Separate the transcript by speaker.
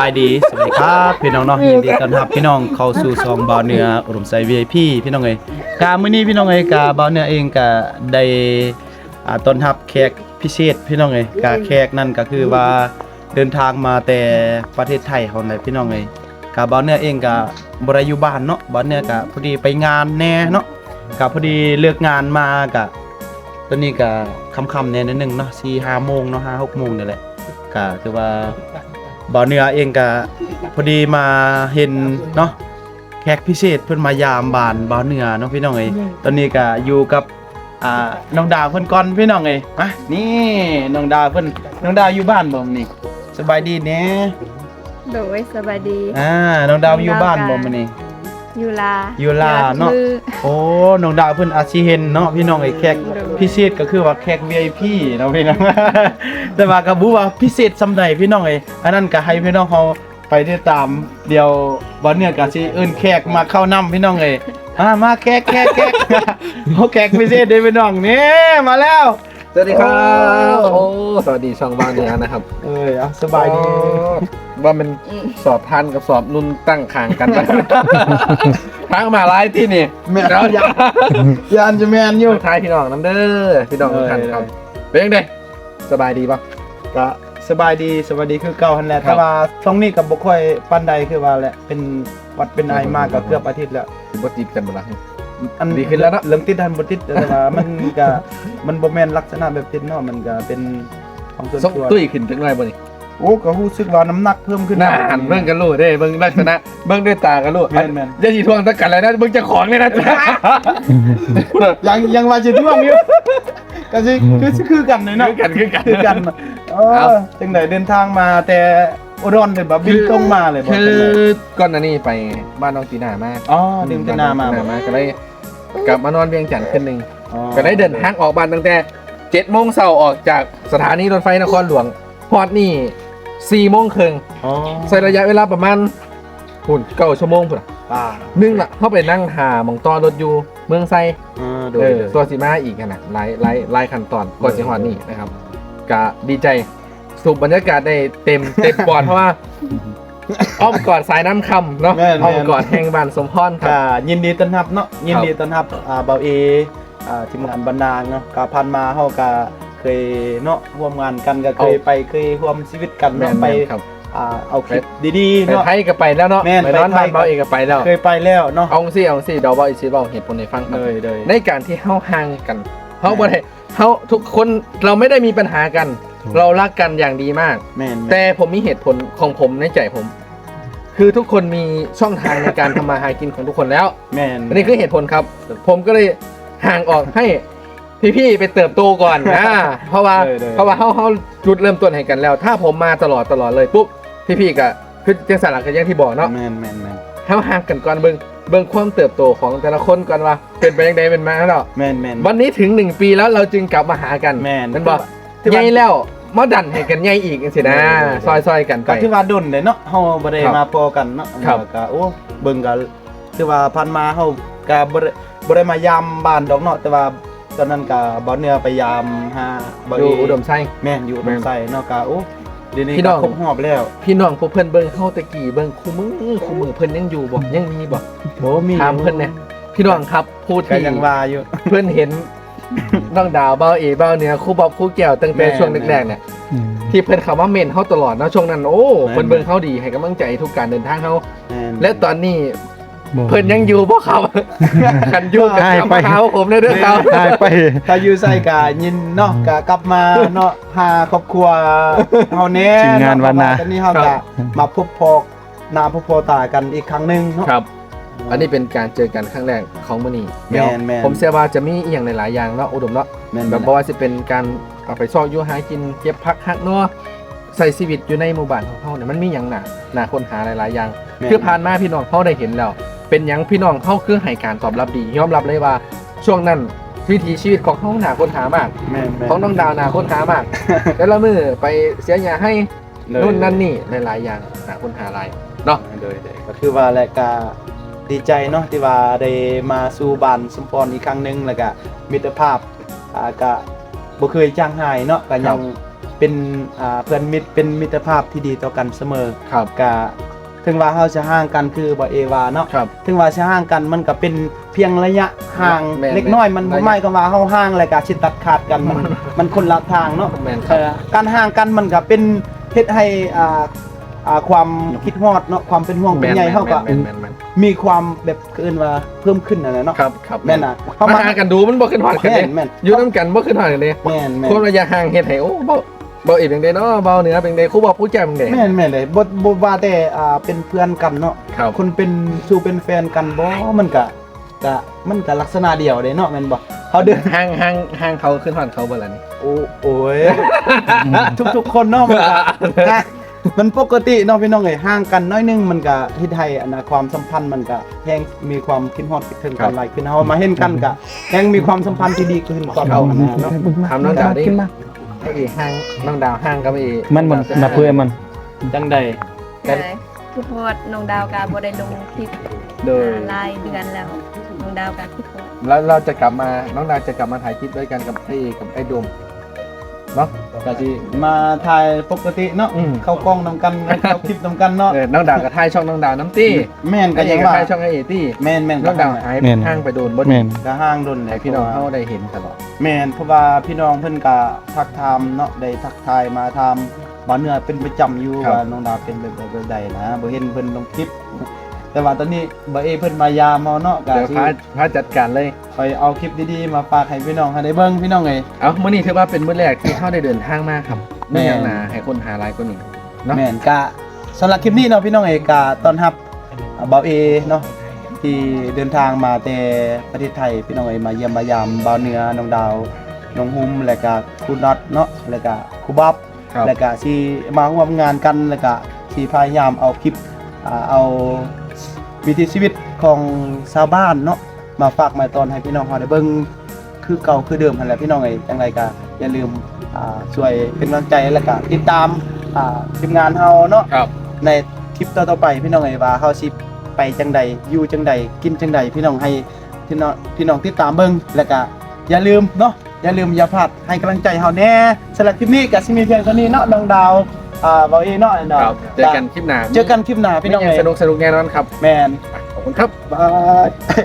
Speaker 1: ายดีสวัสดีครับพี่น้องเนาะยินดีต้อนรับพี่น้องเข้าสู่ซองบ่าวเหนืออุดมไซ VIP พี่น้องเอ้ยกามื้อนี้พี่น้องเอ้ยกาบ่าวเหนือเองก็ได้ต้อนรับแขกพิเศษพี่น้องเอ้ยกาแขกนั่นก็คือว่าเดินทางมาแต่ประเทศไทยเฮานั่นพี่น้องเอ้ยกาบ่าวเหนือเองก็บ่ได้อยู่บ้านเนาะบ่าวเหนือก็พอดีไปงานแน่เนาะก็พอดีเลิกงานมาก็ตอนนี้ก็ค่ำๆแน่นิดนึงเนาะ 4-5 โมงเนาะ 5-6 โมงนี่แหละก็คือว่าบ่าวเหนือเองก็พอดีมาเห็นเนาะแขกพิเศษเพิ่นมายามบ้านบ่าวเหนือเนาะพี่น้องเอ้ยตอนนี้ก็อยู่กับน้องดาวเพิ่นก่อนพี่น้องเอ้ยมานี่น้องดาวเพิ่นน้องดาวอยู่บ้านบ่มื้อนี้สบายดีแหน่
Speaker 2: โดยสบายดี
Speaker 1: น้องดาวอยู่บ้านบ่มื้อนี้
Speaker 2: อยู่ลา
Speaker 1: เนาะโอ้น้องดาวเพิ่นอาจสิเห็นเนาะพี่น้องเอ้ยแขกพิเศษก็คือว่าแขก VIP เนาะพี่น้อง แต่ว่าก็บ่ว่าพิเศษซำใดพี่น้องเอ้ยอันนั้นก็ให้พี่น้องเฮาไปติดตามเดี๋ยวบ่เนี่ยก็สิเอิ้นแขกมาเข้านำพี่น้องเอ้ยมาแขก โอ้แขกพิเศษเด้พี่น้องนี่มาแล้ว
Speaker 3: สวัสดีครับโอ้สวัสดีช่องบ้านเนี่ยนะครับ
Speaker 1: เอาสบายดี
Speaker 3: ว่ามันสอบทันกับสอบนุ่นตั้งขางกัน ทั้งมาไล่ที่นี่
Speaker 1: แม่น
Speaker 3: เรา
Speaker 1: ยานจะแม่นอยู่
Speaker 3: ทายพี่น้องน้ำเด้อพี่น้องทุกท่านครับเป็นยังไงสบายดีป่ะ
Speaker 1: ก็สบายดีสวัสดีคือเก่าหั่นแหละ
Speaker 3: ครับ
Speaker 1: แต่ว่าช่วงนี้ก็บ่ค่อยปานใดคือว่าแหละเป็นหวัดเป็นไอมากก็เกือบอาทิตย์แล้ว
Speaker 3: บ่จีบกันบ่ล่ะ
Speaker 1: อัน
Speaker 3: ดีขึ้นแล้วเนอะ
Speaker 1: เรื่องติดทันบ่ติดแต่ว่ามันก็มันบ่แม่นลักษณะแบบติดเนาะมันก็เป็นของส่วน
Speaker 3: ส่ง
Speaker 1: ตัว
Speaker 3: ตุ้ยขึ้นถึงไรบ่นี่
Speaker 1: โอ้ก็รู้สึกว่าน้ำหนักเพิ่มขึ้น
Speaker 3: หน้าหันเบิ่งกันรู้เด้เบิ่งลักษณะเบิ่งด้วยตากันรู้
Speaker 1: แม่น
Speaker 3: อย่าสิทวงตะกันเลยนะเบิ่งเจ้าของนี่นะ
Speaker 1: ยังว่าสิท่วงอยู่ก็สิคือกันเลยเนาะ
Speaker 3: คือกัน
Speaker 1: คือกันจังได๋เดินทางมาแต่อุดรเลยบ่บินตรงมาเลยบ่
Speaker 3: คื
Speaker 1: จัง
Speaker 3: อ
Speaker 1: ได๋
Speaker 3: ก่อนหน้านี้ไปบ้านน้องตีนามา
Speaker 1: อ๋อดื่มแต่นามา
Speaker 3: ก็เลยกลับมานอนเวียงจันทร์คืนหนึ่ง
Speaker 1: อ๋อ
Speaker 3: ก็ได้เดินทางออกบ้านตั้งแต่7 โมงเช้าออกจากสถานีรถไฟนครหลวงฮอดนี่4 โมงครึ่ง
Speaker 1: อ๋อ
Speaker 3: ใช้ระยะเวลาประมาณหุ่น9 ชั่วโมงพุ่นน่ะ
Speaker 1: ป่า
Speaker 3: นึงล่ะเข้าไปนั่งหาหมองต่อรถอยู่เมืองไซ
Speaker 1: โดย
Speaker 3: ตัวสีมาอีกขนาดหลายขั้นตอนก่อนสิฮอดนี่นะครับก็ดีใจสูบบรรยากาศได้เต็มปอดเพราะว่าอ้อมกอดสายน้ำคำเนาะอ้อมกอดแห่งบ้านสมพรครับ
Speaker 1: ยินดีต้อนรับเนาะยินดีต้อนรับเบาเอทีมงานบรรณาเนาะก็ผ่านมาเฮาก็เคยเนาะร่วมงานกันก็เคยร่วมชีวิตกัน
Speaker 3: แม่
Speaker 1: เนาะ
Speaker 3: น
Speaker 1: ไป
Speaker 3: ครับ
Speaker 1: เอาคลิปดีๆ
Speaker 3: ไป
Speaker 1: เนาะ
Speaker 3: ไทยก็ไปแล้วเนาะ
Speaker 1: แม่น
Speaker 3: ไปนอน
Speaker 1: ไปไท
Speaker 3: บ้าย นเบาเอกก็ไปแล้ว
Speaker 1: เคยไปแล้วเนาะ
Speaker 3: เอาสิเดาเบาอีกสิเบาเหตุผลในฟังครับ
Speaker 1: เลย
Speaker 3: ในการที่เฮาห่างกันเฮาบ่ได้เฮาทุกคนเราไม่ได้มีปัญหากัน เรารักกันอย่างดีมาก
Speaker 1: แม่น
Speaker 3: แต่ผมมีเหตุผลของผมในใจผม คือทุกคนมีช่องทางในการทำมาหากินของทุกคนแล้ว
Speaker 1: แม่น
Speaker 3: อันนี้คือเหตุผลครับ ผมก็เลยห่างออกให้พี่ๆไปเติบโตก่อนเพราะว่าเฮาจุดเริ่มต้นให้กันแล้ว ถ้าผมมาตลอดเลยปุ๊บพี่ๆก็คือจังสารก็อย่างที่บอกเนาะ
Speaker 1: แม่น
Speaker 3: เฮาห่างกันก่อนเบิ่งความเติบโตของแต่ละคนก่อนว่าเป็นไปยังไงเป็นมาแล้ว
Speaker 1: แม่น
Speaker 3: วันนี้ถึง1 ปีแล้วเราจึงกลับมาหากัน
Speaker 1: แม่น
Speaker 3: นั่นบอกใหญ่แล้วมาดันให้กันใหญ่อีกจังซี่นะซอยๆกันไป
Speaker 1: ก็ถือว่าดนเลยเนาะเฮาบ่ได้
Speaker 3: ครับ
Speaker 1: มาพอกันเนาะ
Speaker 3: ครับ
Speaker 1: ก็โอ้เบิ่งก็ถือว่าผ่านมาเฮาก็บ่ได้มายามบ้านดอกเนาะแต่ว่าตอนนั้นก็บ่เหนือไปยามหาบ่
Speaker 3: อยู่อุดมไซ
Speaker 1: แม่นอยู่อุดมไสเนาะก็โอ้เดี๋ยวนี้
Speaker 3: พี่น้
Speaker 1: ก็
Speaker 3: อง
Speaker 1: ครบรอบแล้ว
Speaker 3: พี่น้องพวกเพิ่นเบิ่งเฮาตะกี้เบิ่งคู่มือเพิ่นยังอยู่บ่ยังมีบ่
Speaker 1: โอ้มี
Speaker 3: ถามเพิ่นเนี่ยพี่น้องครับพูด
Speaker 1: ก็
Speaker 3: ที่
Speaker 1: ยังว่าอยู่
Speaker 3: เพิ่นเห็นน้องดาวเบาเอเบาเหนือครูบอบครูแก้วตั้งแต่
Speaker 1: แม่น
Speaker 3: ช่วงแรกๆเนี่ยที่เพิ่นเข้ามาเมนเฮาตลอดเนาะช่วงนั้นโอ้
Speaker 1: แม่น
Speaker 3: เพิ่นเบิ่งเฮาดีให้กำลังใจทุกการเดินทางเฮา
Speaker 1: แม่น
Speaker 3: และตอนนี้เพิ่นยังอยู่บ่ครับ กันอยู่กับ
Speaker 4: หาย
Speaker 3: กลับ
Speaker 4: ไป
Speaker 3: มาหาผมได้เด้อครับ
Speaker 4: หายไป
Speaker 1: ถ้าอยู่ไสก็ยินเนาะก็กลับมาเนาะหาครอบครัวเฮาแน่
Speaker 4: ทีมงานวันนา
Speaker 1: ตอนนี้เฮาก็มาพบพอหน้าพบพอตากันอีกครั้งหนึงเนาะ
Speaker 3: ครับ อันนี้เป็นการเจอกันครั้งแรกของมื้อนี้
Speaker 1: แม่นแม่น
Speaker 3: ผมเชื่อว่าจะมีอีกอย่างหลายๆอย่างเนาะอุดมเนาะ
Speaker 1: แม่น
Speaker 3: แบบบ่ว่าสิเป็นการเอาไปซอกอยู่หากินเก็บผักหักเนาะใส่ชีวิตอยู่ในหมู่บ้านของเฮาเนี่ยมันมีหยังน่าค้นหาหลายๆอย่าง
Speaker 1: แม่น
Speaker 3: คือผ่านมาพี่น้องเขาได้เห็นแล้ว เป็นหยังพี่น้องเขาคือให้การตอบรับดียอมรับเลยว่าช่วงนั้นวิถีชีวิตของเขาหนาค้นหามาก
Speaker 1: แม่น
Speaker 3: ของน้องดาวหนาค้นหามาก แล้วละมือไปเสียหยาให้
Speaker 1: เลย
Speaker 3: นู่นนั่นนี่หลายๆอย่างหนาค้นหาหลายเนาะ
Speaker 1: โดยก็คือว่าและก็ดีใจเนาะที่ว่าได้มาสู่บ้านสมพรอีกครั้งหนึงแล้วก็มิตรภาพก็บ่เคยจางหายเนาะก็ยังเป็นเป็นเพื่อนมิตรเป็นมิตรภาพที่ดีต่อกันเสมอ
Speaker 3: ครับ
Speaker 1: ก็ถึงว่าเฮาจะห่างกันคือบ่เอวาเนาะ
Speaker 3: ครับ
Speaker 1: ถึงว่าจะห่างกันมันก็เป็นเพียงระยะห่าง
Speaker 3: แม่น
Speaker 1: เล็กน้อยมันบ่
Speaker 3: ระยะ
Speaker 1: หมายความว่าเฮาห่างแล้วก็สิตัดขาดกันมันคนละทางเนาะ
Speaker 3: แม่นครับ
Speaker 1: การห่างกันมันก็เป็นเฮ็ดให้ความคิดฮอดเนาะความเป็นห่วงเป็นใยเฮาก็
Speaker 3: แม่น
Speaker 1: มีความแบบเกินว่าเพิ่มขึ้นนั่นแหละเนาะ
Speaker 3: ครับครับ
Speaker 1: แม่นน่ะ
Speaker 3: มาหากันดูมันบ่ขึ้นฮอดกันเด้
Speaker 1: แม่น
Speaker 3: อยู่นํกันบ่ขึ้นฮอดกันเด้
Speaker 1: แม่นแม่น
Speaker 3: คนระยะห่างเฮ็ดให้โอ้บ่อีกจังได๋เนาะเบาเหนือเป็นไดครูบ่ผู้แจ่มจังได๋
Speaker 1: แม่นแม่นเลยบ่ว่าแต่เป็นเพื่อนกันเนาะ
Speaker 3: ครับ
Speaker 1: คนเป็นสู่เป็นแฟนกันบ่มันก็ลักษณะเดียวเด้เนาะแม่นบ่เขาเดิน
Speaker 3: ห่างเขาขึ้นฮอดเขาบ่ล่ะนี่
Speaker 1: โอ้ย ทุกๆคนเนาะมันก็นะมันปกติเนาะพี่น้องเอ้ยห่างกันน้อยหนึงมันก็เฮ็ดให้ความสัมพันธ์มันก็แฮงมีความคิดฮอดคิดถึงกันหลายขึ้นเฮามาเห็นกันก็แฮงมีความสัมพันธ์ที่ดีขึ้นกว่าเก่านะเนาะ
Speaker 3: ถามน้องดาวดิไอ้ห่างน้องดาวห่างกับไอ้
Speaker 4: มันมาเพื่อมัน
Speaker 1: จังใด
Speaker 2: ก็คือฮอดน้องดาวก็บ่ได้ลงคลิป
Speaker 3: โดย
Speaker 2: หลายเดือนแล้วน้องดาวก็คิดฮอด
Speaker 3: แล้วเราจะกลับมาน้องดาวจะกลับมาถ่ายคลิปด้วยกันกับไอ้โดมเนาะก็สิ
Speaker 1: มาถ่ายปกติเนาะ
Speaker 3: อืม
Speaker 1: เข้ากล้องนำกันเข้าคลิปนำกันเนาะ
Speaker 3: น้องดาวกับถ่ายช่องน้องดาวน้ำตี้
Speaker 1: แม่นก็
Speaker 3: ไอ้เอ
Speaker 1: ยัง
Speaker 3: กับ
Speaker 1: ว่า
Speaker 3: ถ่ายช่องไอ้เอตี้
Speaker 1: แม่น
Speaker 3: น้องดาวหาย
Speaker 4: แม่น
Speaker 3: ห่างไปโดนบ่
Speaker 4: แม่น
Speaker 1: ก็ห้างดนแห
Speaker 3: ให้
Speaker 1: ละ
Speaker 3: พี่น้องเฮาได้เห็นตลอด
Speaker 1: แม่นเพราะว่าพี่น้องเพิ่นก็ทักทามเนาะได้ทักทายมาทามบ่เนื้อเป็นประจำอยู่
Speaker 3: ครับ
Speaker 1: ว่าน้องดาวเป็นแบบใดนะบ่เห็นเพิ่นลงคลิป แต่ว่าตอนนี้บ่เพิ่นมายามเฮาเนาะก็
Speaker 3: เดี๋ยว
Speaker 1: สิ
Speaker 3: พาจัดการเลย
Speaker 1: ไปเอาคลิปดีๆมาฝากให้พี่น้องให้ได้เบิ่งพี่น้องเอ้ย
Speaker 3: เอามื้อนี้ถือว่าเป็นมื้อแรกที่เฮาได้เดินทางมาครับ
Speaker 1: แม่
Speaker 3: ไม่ยังหนาให้คนหาหลายกว่านี้เนาะ
Speaker 1: แม่นก็สำหรับคลิปนี้เนาะพี่น้องเอ้ยก็ต้อนรับบ่าวเอเนาะที่เดินทางมาแต่ประเทศไทยพี่น้องเอ้ยมาเยี่ยมมายามบ่าวเหนือน้องดาวน้องหุ้มแล้วก็ครูน็อตเนาะแล้วก็ครูบ๊อบ
Speaker 3: ครับ
Speaker 1: แล้วก็สิมาร่วมงานกันแล้วก็สิพยายามเอาคลิปเอาวิถีชีวิตของชาวบ้านเนาะมาฝากมาตอนให้พี่น้องเฮาได้เบิ่งคือเก่าคือเดิมหั่นแหละพี่น้องเอ้ยจังไรก็อย่าลืมช่วยเป็นกำลังใจแล้วก็ติดตามทีมงานเฮาเนาะ
Speaker 3: ครับ
Speaker 1: ในคลิปต่อๆไปพี่น้องเอ้ยว่าเฮาสิไปจังใดอยู่จังใดกินจังใดพี่น้องให้พี่น้องติดตามเบิ่งแล้วก็อย่าลืมเนาะอย่าลืมอย่าพลาดให้กำลังใจเฮาแน่สำหรับคลิปนี้ก็สิมีเพียงเท่านี้เนาะน้องดาวบ่เอเนาะ
Speaker 3: ครับเจอกันคลิปหน้า
Speaker 1: เจอกันคลิปหน้าพี่น้อง
Speaker 3: มี
Speaker 1: เอ้ย
Speaker 3: สนุกแน่นอนครับ
Speaker 1: แมน
Speaker 3: ขอบคุณครับ
Speaker 1: บาย